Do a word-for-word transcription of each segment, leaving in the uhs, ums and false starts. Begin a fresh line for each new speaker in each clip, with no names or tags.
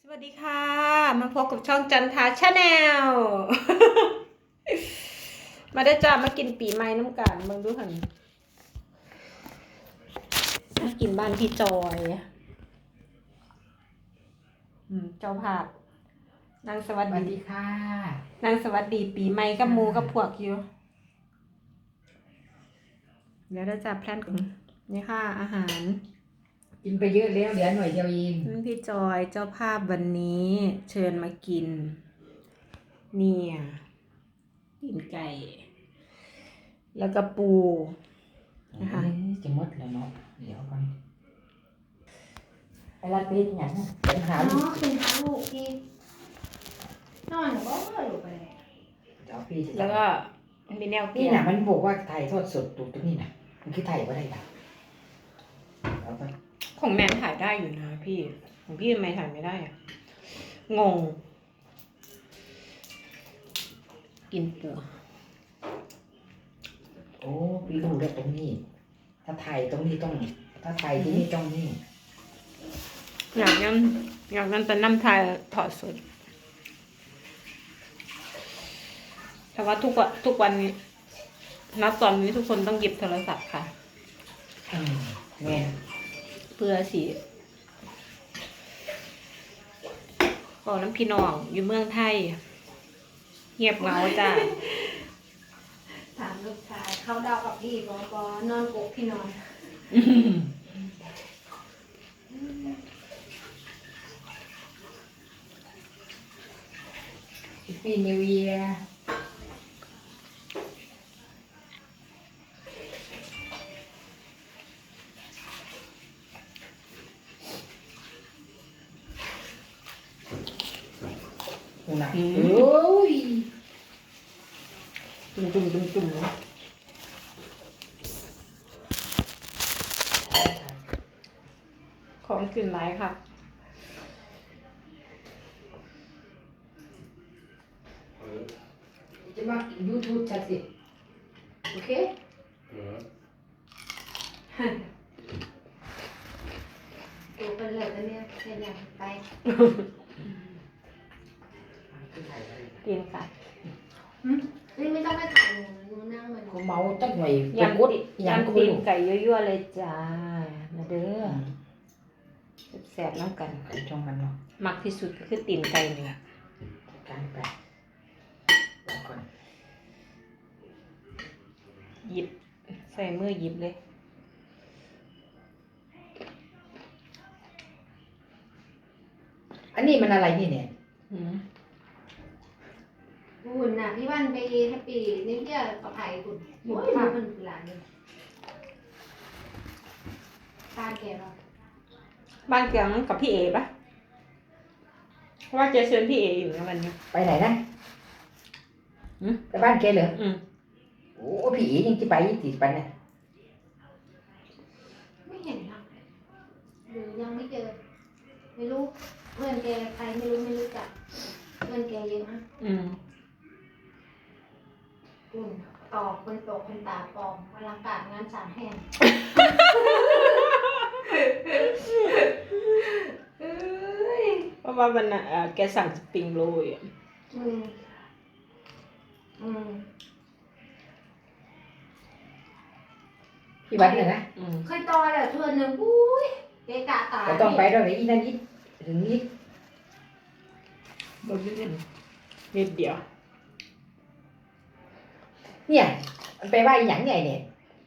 สวัสดีค่ะมาพบกับช่องจันทาชาแนล มาได้จ้ามากินปีใหม่น้ำกันเบิ่งดูหันมากินบ้านพี่จอยอืมเจ้าภาพนางสวัส
สวัส
ดี
ดีค่ะ
นางสวัสดีปีใหม่กับหมูกับพวกอยู่เดี๋ยวได้จ้าแพลนกันนี่ค่ะอาหาร
กินไปเยอะแล้วเหลือหน่อยเดียวเอง
นั่นพี่จอยเจ้าภาพวันนี้เชิญมากินเนี่ยกินไก่ แล้วก็ปูนะคะ
เอ้ยจะหมดแล้วเนาะเดี๋ยวก่อนไอ้รัดเป็นอย่างนั้นเป็นหา
อ๋
ลู
อก เป็นหาลูกที่นอนก็ลูกไปเลย
เดี๋ยวพี่จะ
แล้วก็มีแนว
นี่
เกีย
น่ะ
ร์
มันบอกว่าไทยทอดสดตรงตรงนี้น่ะมันคือไทยว่าได้ด่ะเอาไป
ของแนนถ่ายได้อยู่นะพี่ของพี่ทำไมถ่ายไม่ได้อะงง กินปู
โอ้พี่รู้แล้วตรงนี้ ถ้าไทยตรงนี้ต้อง ถ้าไทยที่นี่ต้องนี่
อยากนั้นอยากนั้นแต่น้ำไทยถอดสดแต่ว่าทุกวันทุกวันนี้ณตอนนี้ทุกคนต้องหยิบโทรศัพท์ค่ะ
อืมแม่น
เพื่อสิบอกน้ำพี่น้องอยู่เมืองไทย เงียบเหงาจ้า
ถามลูกชายเขาเดากับพี่บอกบอนอนกกพี่นอน
ปีนิวเยียร์นะโอ้ยจุ่มจุ่มจุ่มจุ่ม
ของกลิ่นไรค่ะ
จะมายูทูบชัดสิโอเค
ดูเป็นเลยแล้วเนี่ยเป็นอย่างไป
กินค่ะ
นี่ไม่ต้องไปถ่ายหนูหนูนั่งมัน
กูเมาจักหน่อย
ยำ
กุด
ติ
ยำ
ยำ
กู
ตีน
ลูก
ไก่ยั่วๆเลยจ้ามาเด้อแสบๆน้ำกัน
ไอ้ช่องมันเนาะ
มักที่สุดก็คือตีนไก่นี่แหละ
กันไปแล้วก่อน
หยิบใส่มือหยิบเลย
อันนี้มันอะไรนี่เนี่ย
อืม
หุ่นน่ะพี่วันไปแฮปปี้นี่เที่ยวกับไผ่หุ่นโอ้ยมันหลานเลยตาแก่เรา
บ้านเกียงกับพี่เอปะเพราะว่าเจเชิญพี่เออยู่นะวันนี้
ไปไหนนะ
อืม
ไปบ้านแกเหรอ
อืม
โอ้พี่อียังจะไปติดไปเนี่ย
ไม่เห็นหรอกหรือยังไม่เจอ ไม่รู้เพื่อนแกใครไม่รู้ไม่รู้จักเพื่อนแกเยอะนะ
อืม
อุ่นตอกคนตกคนตาปลอมอลังการงานสามแห่ง เอ้ย
เพราะว่าวันน่ะเอ่อแกสั่งสปริงโรลอ่ะ
อืมอืม
พี่วัดเนี่ยนะ
อืม
เคยต่อแล้วเทือนหนึ่งอุ้ยเกะกะตา
ก็ต้องไปด้วยอีนั่นอีถึงนี้
บนนิดนิดเดียว
เนี่ยมันไปว่าอีหยังไงเนี่ย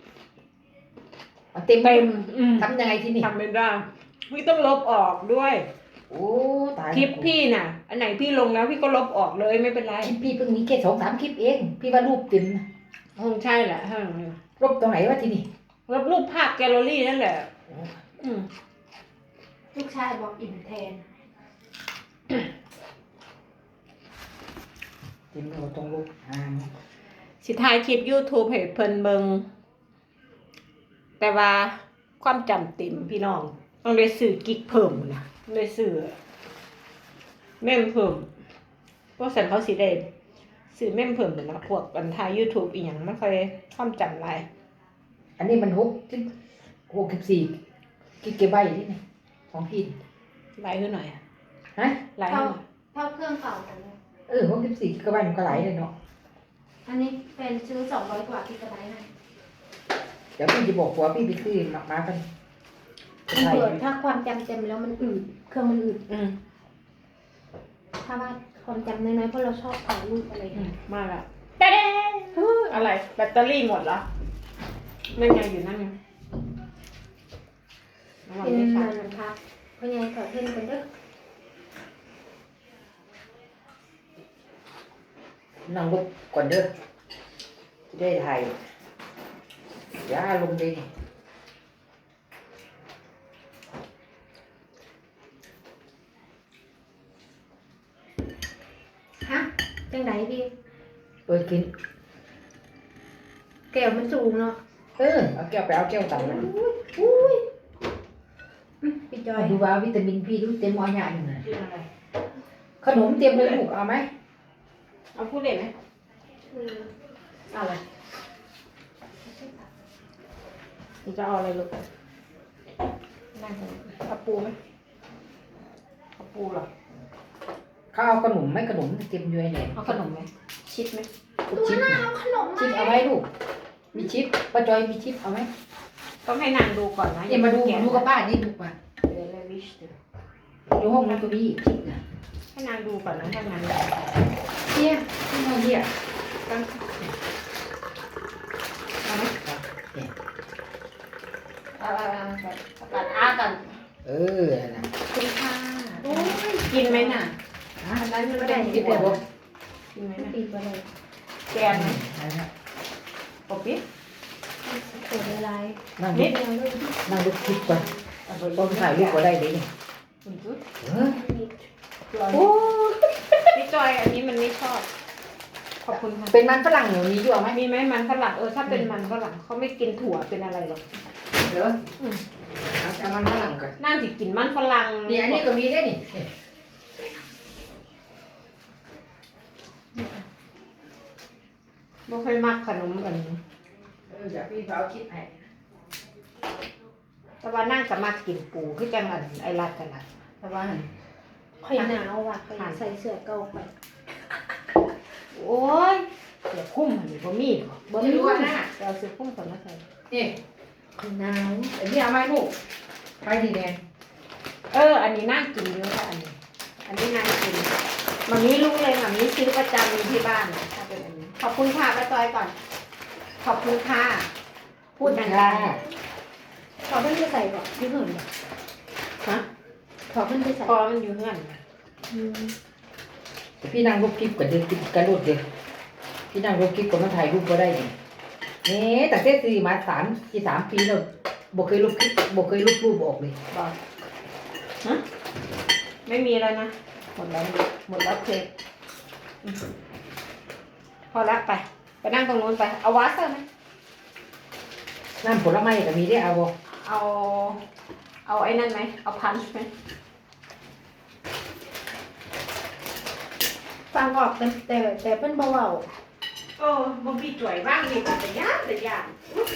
เอาเต็ม
เต็มอืม
ทำยังไงที่นี่
ทำไม่ได้พี่ต้องลบออกด้วย
โอ้ตาย
คลิปพี่น่ะ อันไหนพี่ลงแล้วพี่ก็ลบออกเลยไม่เป็นไร
คลิปพี่เพิ่งมีแค่สองสามคลิปเอง พี่ว่ารูปเต็มนะ
คงใช่แหละถ้า
ลบตรงไหนวะที่นี่
ลบรูปภาพแกลเลอรี่นั่นแหละ
โอ้
อืม
ลูกชายบอกอิ่มแทน
เต็มเราตรงรูปอ่า
สิท้ายคลิป YouTube ให้เพิ่นเบิงแต่ว่าความจำเต็มพี่น้อง ต้องเลยสื่อกิ๊กเพิ่มนะเลยสื่อเม่มเพิ่มพวกสันเขาสิได้สื่อเม่มเพิ่มเหมือนนะพวกบันทาย YouTube อีหยังไม่ค่อยความจำหลาย
อันนี้มันหกสิบหกสิบสี่กิกะไบต์ที่นี่ของพี่
หลายขึ้นหน่อย
ฮะ
หลาย
เท่า
หน่อย
เท่าเครื่องเก่ากันเลย
เออหกสิบสี่กิกะไบต์มันก็หลายเลยเนาะ
อันนี้เป็นซื้อสองร้อยกว่ากิกะไบต์ให้
เดี๋ยวพี่จะบอกผัวพี่ไปซื้อมามากัน
มันเปิดถ้าความจำเต็มแล้วมันอืดเครื่องมันอืด
อืม
ถ้าว่าความจำน้อยๆเพราะเราชอบถ่ายรูปอะไร
อื
เงี้
ม
ย
มาแล้วเด้ๆอะไรแบตเตอรี่หมดเหรอนั่นไงอยู่นั่นไงน้ำมัน
เป็น
ไม่
มั
ใช่
นพักเพราะยังขอเพิ่มกันเด้อ
นั่งลุกก่อนเด้อจะได้ถ่ายยาลงเลยนี่
ฮะจังไหนพี่
เปิดกิน
แก้วมันสูงเนาะ
เออเอาแก้วไปเอาแก้วต่ำนะ
อุ้ยอืมพี่จอย
ดูว่าวิตามินพี่ดูเต็มอ้อยใหญ่อยู่นะ
กินอะไร
ขนมเต็มเลยลูกเอาไหม
เอาพูดเลยไหม
อืม
เอาอะไร你จะเอาอะไรลูกนั่งตรงนี้เอาปูไหมเอาปูเหรอ
เขาเอาขนมไหมขนมเต็มอยู่ไอ้เนี่ย
เอาขนมไหมชิดไหม
ลูก
ตัว
ชิป
หน้าเอาขนม
ชิป
มา
เอาไหมลูกมีชิปป้าจอยมีชิปเอาไหม
ต้องให้นางดูก่อนนะ
อย่ามาดู
แกะ
ดูกับป้านี่ดูมา
เดี๋ยวเลยวิชเดี๋ยว
ดูห้องนั้นก็มีชิปนะ
ให้นางดูก่อนนะถ้านางดู
เนี่ยที่นอนเนี่ย
ต้องเอาไหม
เนี่ย
เอาเอาเอาก่อนเอาก่อนอ้าก่อน
เออนะ
คุณค่ะ
โอ้ย
กินไหมน่ะอันนั้นมันเป็น
ชิปเลยบอก
กินไหมน่ะ
ปีกอะไร
แกนไหม
นั่นนะ
ปอบปิ๊บ
เปิดอะไร
นั่ง
นิ
ดู
ดเดียวเลย
นั่งดูคลิปก่อน
เอาไป
ต้องถ่ายรูปก็ได้เลยนี่
คุณจุ๊ด
เออ
โอ้พี่จอยอันนี้มันไม่ชอบ ขอบคุณค่ะ
เป็นมันฝรั่งหนูมีด้วยไหม
มีไหมมันฝรั่งเออถ้าเป็นมันฝรั่งเขาไม่กินถั่วเป็นอะไรหรอก
เหรอ
อืม
เอาเอามันฝรั่งก่อน
น่าจะกินมันฝรั่ง
นี่อันนี้ก็มีได้นี่
ไม่ค่อยมักขนมกัน
เออเดี๋ยวพี่เอาคลิปให้
แต่ว่านั่งสามารถกินปูคือจังอันไอรัดกันละแต่ว่าหั่น
ข่อยหนาวว่ะข่อยใส่เสื้อเก่าไป
โอ้ยเดี๋ยวคุ้มอันนี้บ่มีบ่มีว่านะเดี๋ยวเอาเสื้อคุ้มก่อนมาใส่
นี่
ข่อยหนาว
อันนี้เอาไหมลูกไปดีแดง
เออ อันนี้น่ากินเยอะค่ะอันนี้ อันนี้น่ากินมันนี้รู้เลยค่ะนี้ซื้อประจำอยู่ที่บ้านนะถ้าเป็นอันนี้ขอบคุณค่ะป้าจอยก่อน ขอบคุณค่ะพูดดัง
ขอเพิ่นไปใส่ก่อนที่เหินบ่
ๆฮะ
ขอเพิ่นไปใส่
พอมันอยู่เงื่อน
อืม
พี่นั่งรูปคลิปก่อนเดี๋ยวคลิปกระโดดเดี๋ยวพี่นั่งรูปคลิปก่อนมาถ่ายรูปก็ได้นี่นี่แต่เทศซีมาสามสี่สามปีแล้วบอกเคยรูปคลิปบอกเคยรูปรูปออกเลย
บอกฮะไม่มีแล้วนะ หมดแล้วหมดแล้วเคยอืมพอละไป ไปนั่งตรงนู้นไป เอาวาเซอร์ไหม
น้ำผลไม้ก็มีได้เอาบ่
เอา เอาไอ้นั่นไหม เอาพันช์ไหม
ฟังออกแต่แต่แต่เพิ่นบ่เว้า
โอ้บางทีจ่วยบ้างนี่แต่ยากแต่ยาก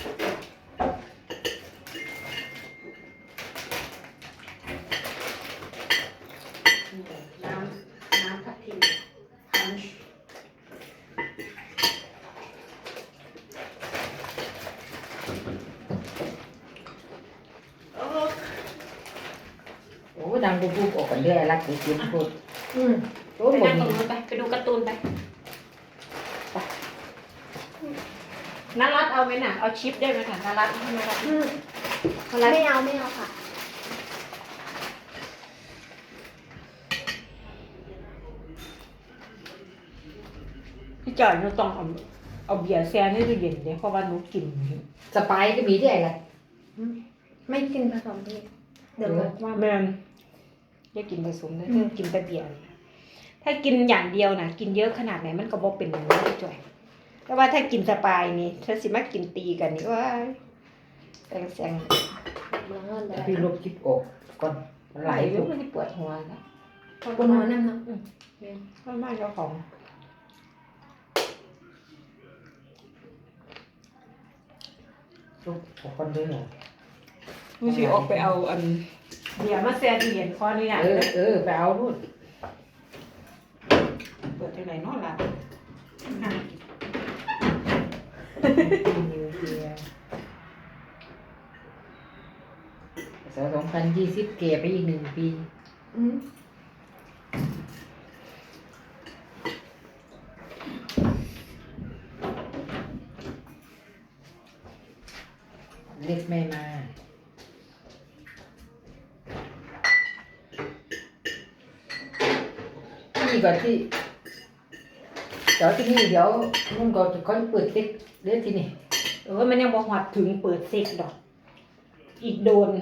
น้ำน้ำทับทิมพันช์โอ้
โอ้นั่งรูปรูปออกกันเรื่อยรักกูกินพูด
อืม
โอ้
ไป
หมด
นั่งตรง
นี่
นู้นไป ไปดูการ์ตูนไปไปนารัดเอาไหมน่ะ เอาชิปได้ไหมค่ะนารัดให้นารัด
อืม
นารัด
ไม่เอาไม่เอาค่ะ
พี่จอยหนูต้องเอาเอาเบียร์แช่ในตู้เย็นเดี๋ยวเพราะว่าหนูกิน
สไปร์ก็มีได้อะไร
ไม่กินผสมเพศเดี๋ยวบอกว่า
แม่นอย่ากินผสมนะเธอกินแต่เบียร์ถ้ากินอย่างเดียวนะกินเยอะขนาดไหนมันก็บ่เป็นอย่างนี้พี่จอยแต่ว่าถ้ากินสปายนี่เธอสิมากินตีกันนี่ว่าแซงแซง
เบื่อเงินเล
แต่
ย
พี่ลบคลิปออกก่อนมันไหล
เย
ลู
อะ
ก
มันปวดหัวนะ
บนหัวน้ำเนาะ
ก็มากเจ้าของ
ลูกออกก่อนเด้อ
มึงสิออกไปเอาอันเดี๋ยวมาแซ่ตู้เย็นขออนุญาต
เออเออไปเอานู่น
เปิดจังไดเนาะล่ะอ่ะ
สองพันยี่สิบเก็บไปอีกหนึ่งปี
อืม
เล็กไม่มานี่ก่อนที่เดี๋ยวที่นี่เดี๋ยวนุ่นก็จะค่อยเปิดเล็กเล็กที่นี่
เออมันยังบ่ฮอดถึงเปิดเซ็กดอก อีกโดน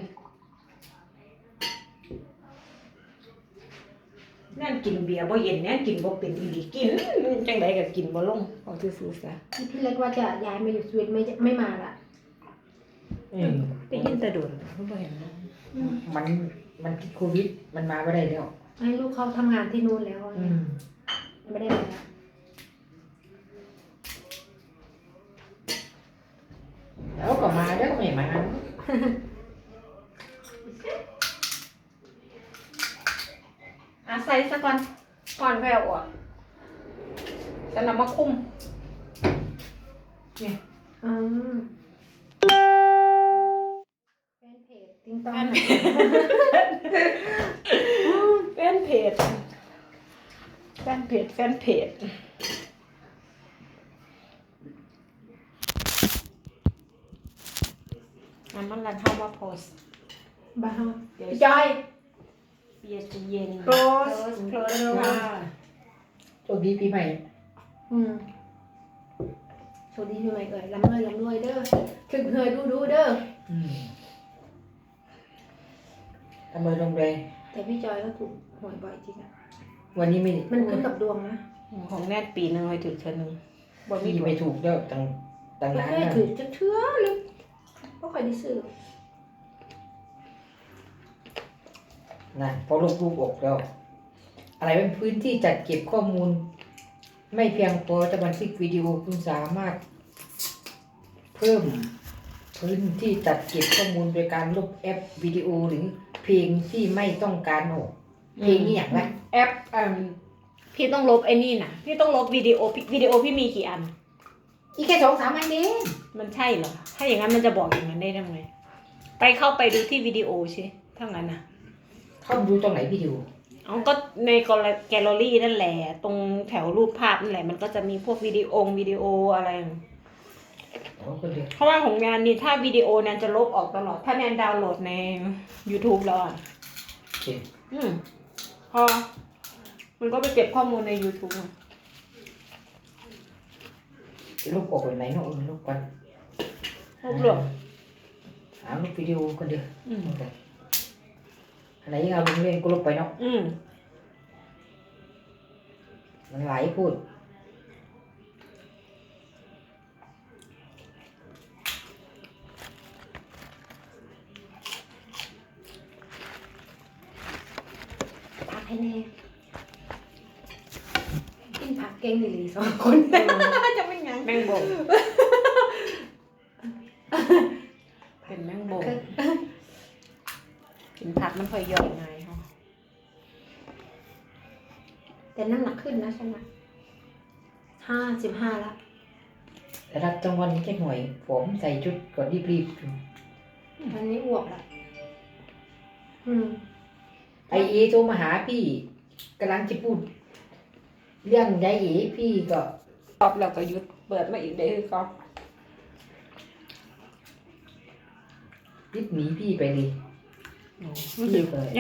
นั่นกินเบียร์บ่เย็นแน่กินบ่เป็นอีหลีกินจังไดก็กินบ่ลงเอาซื่อๆซะ
ที่พี่เล็กว่าจะย้ายมาอยู่สวีเดนไม่จะไม่มาละ
อืม
ได้ยินแต่โดนบ่เห็นนะ
อืม
มันมันติดโควิดมันมาไม่ได้แล้ว
ให้ลูกเขาทำงานที่นู่นแล้ว
อืม
ไม่ได้มาแล้ว
แล้วก็มาแล้วก็ไม่มา
อาใส่ซะก่อนก่อนแผ่วอ่ะจะนำมาคุมนี่
อืมแฟนเพจติ้งต้อง
แฟนเพจแฟนเพจแฟนเพจอันมันรันเข้ามาโพสต์
บ้า
เดี๋ยว
จอย
เบียร์จะเย็น
Close
close
ค่ะ
โชคดีปีใหม่
อืมโชคดีพี่ใหม่เอ่ยลำรวยลำรวยเด้อถึงเฮยดูดูเด้อ
อืมทำไมลงแรง
แต่พี่จอยก็ถูกหวยบ่อยจริงอะ
วันนี้ไม่
มันขึ้นกับดวงนะ
ของแน่ปีหนึงไปถึงเทื่อหนึงบ่มี
พี่
ดว
ไม่
ง
ถูกแล้วต่างต่าง
ไม่
ร้าน
ได้
นะ
ถือจะเชื่อเลยก็คอยได้ซื้อ
นะพอลงรูปออกแล้ว อะไรเป็นพื้นที่จัดเก็บข้อมูล ไม่เพียงพอจะบันทึกวิดีโอคุณสามารถ เพิ่มพื้นที่จัดเก็บข้อมูลโดยการลบแอปวิดีโอหรือเพลงที่ไม่ต้องการออกเพลงนี่อย่างไร
แอปเอ่มพี่ต้องลบไอ้นี่นะพี่ต้องลบวิดีโอพี่วิดีโอพี่มีกี่อัน
อีกแค่สองสามอันเอง
มันใช่เหรอ ถ้าอย่างนั้นมันจะบอกอย่างนั้นได้ยังไง ไปเข้าไปดูที่วิดีโอใช่ถ้างั้นนะ
เข้าไปดูตรงไหนวิดีโอ
เอาก็ในแกลเลอรี่นั่นแหละ ตรงแถวรูปภาพนั่นแหละ มันก็จะมีพวกวิดีโอวิดีโออะไร
อ๋อก็เดี๋ยว
เพราะว่าของงานนี้ถ้าวิดีโอแนนจะลบออกตลอด ถ้าแนนดาวน์โหลดใน YouTube แล้วอ่ะ
โอเค
อืมพอมันก็ไปเก็บข้อมูลใน YouTube อะ
ลบออกไปไหนเนาะเออลบกัน
รวบรวม
หาลบวิดีโอกันเดี๋ยว
อืม
อันไหนยังเอาลงเล่นก็ลบไปเนาะ
อืม
มันหลายพูด
ผักให้แน่กินผักเก่งหรือสองคน จะเป็นยัง
แมงบ่งเป็นแมงบ่งกินผักมันค่อยย่อยง่ายค่ะ
แต่น้ำหนักขึ้นนะฉันอะห้าสิบห้าแล้ว
แต่รับจังหวันนี้แค่หน่อย ผมใส่ชุดก่อนรีบ
ตอนนี้อ้วกแล้วอืม
ๆไอเอโทรมาหาพี่กำลังจะพูด เรื่องยายเอพี่ก็
ตอบแล้วก็หยุดเปิดมาอีกเด้อก็
รีบหนีพี่ไปเลย
รู้สึก